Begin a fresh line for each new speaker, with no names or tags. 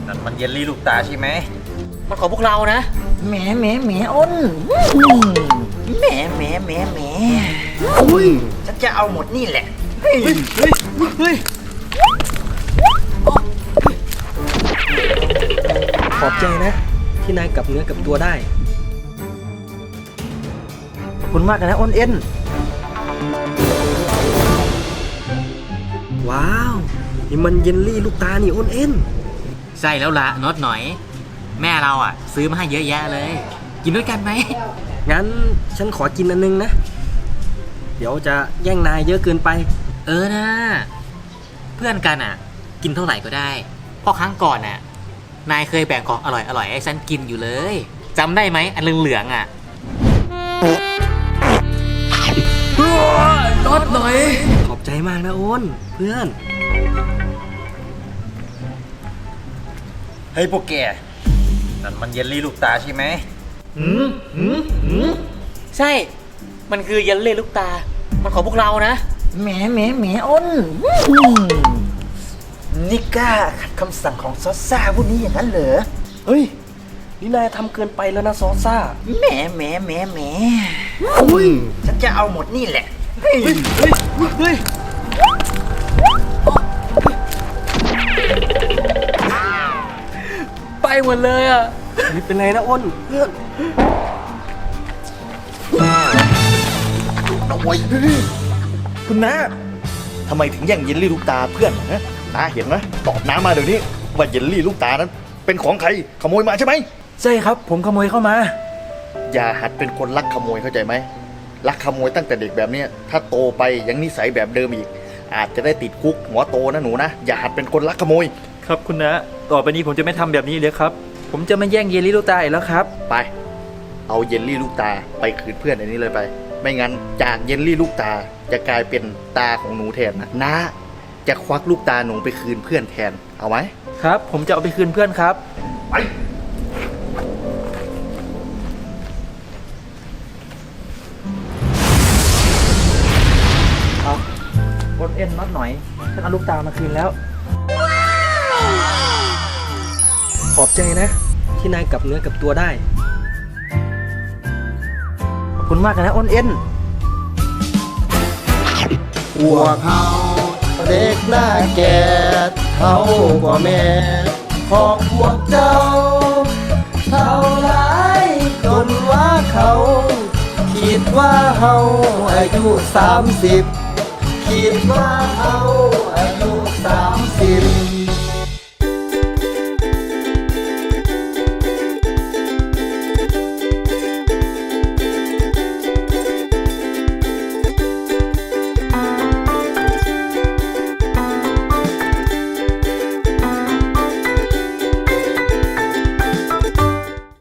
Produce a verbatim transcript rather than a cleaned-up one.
นั่นมันเยลลี่ลูกตาใช่ไหม
มันของพวกเรานะ
แหมแหมแหมอ้นแหมแหมแหมแหมอุ้ยฉันจะเอาหมดนี่แหละเฮ้ยเฮ้ยเฮ้ย
ขอบใจนะที่นายกลับเนื้อกลับตัวได้
ขอบคุณมากนะอ้นเอ็น
ว้าวนี่มันเยลลี่ลูกตานี่อ้นเอ็น
ใช่แล้วละน็อตหน่อยแม่เราอ่ะซื้อมาให้เยอะแยะเลยกินด้วยกันไหม
งั้นฉันขอกินอันนึงนะเดี๋ยวจะแย่งนายเยอะเกินไป
เออนะเพื่อนกันอ่ะกินเท่าไหร่ก็ได้เพราะครั้งก่อนน่ะนายเคยแบ่งของอร่อยอร่อยให้ฉันกินอยู่เลยจำได้ไหมอันเหลืองๆอ่ะน็อตหน่อย
ขอบใจมากนะอ้นเพื่อน
เฮ้ยพวกแกนั่นมันเยลลี่ลูกตาใช่ไหม
หืมหืมหืมใช่มันคือเยลลี่ลูกตามันของพวกเรานะ
แหมแหมแหมอ้นนี่กล้าขัดคำสั่งของซอสซ่าพวกนี้อย่างนั้นเหรอ
เฮ้ยนี่นายทำเกินไปแล้วนะซอสซ่า
แหมแหมแหมแหมอุ้ยฉันจะเอาหมดนี่แหละเฮ้ยเฮ้ยเฮ้ย
ไปหมดเลยอ่ะ
นี่เป็นไรนะอ้นเพื่อน
โอ้ยคุณน้าทำไมถึงแย่งเยลลี่ลูกตาเพื่อนนะน้าเห็นไหมตอบน้ามาเดี๋ยวนี้ว่าเยลลี่ลูกตานั้นเป็นของใครขโมยมาใช่ไหม
ใช่ครับผมขโมยเข้ามา
อย่าหัดเป็นคนลักขโมยเข้าใจไหมลักขโมยตั้งแต่เด็กแบบนี้ถ้าโตไปยังนิสัยแบบเดิมอีกอาจจะได้ติดคุกหัวโตนะหนูนะอย่าหัดเป็นคนลักขโมย
ครับคุณนะต่อไปนี้ผมจะไม่ทำแบบนี้เลยครับผมจะไม่แย่งเยลลี่ลูกตาอีกแล้วครับ
ไปเอาเยลลี่ลูกตาไปคืนเพื่อนอันนี้เลยไปไม่งั้นจากเยลลี่ลูกตาจะกลายเป็นตาของหนูแทนนะน้าจะควักลูกตาหนูไปคืนเพื่อนแทนเอาไหม
ครับผมจะเอาไปคืนเพื่อนครับ
ไป
เอาอ้นเอ็นน็อตหน่อยฉันเอาลูกตามาคืนแล้ว
ขอบใจนะที่นายกลับเนื้อกลับตัวได้
ขอบคุณมากนะอ้นเอ็น
พวกเขาเด็กหน้าแก่เขากว่าแม่ของพวกเจ้าเท่าไรจนว่าเขาคิดว่าเขาอายุสามสิบคิดว่าเขาอายุ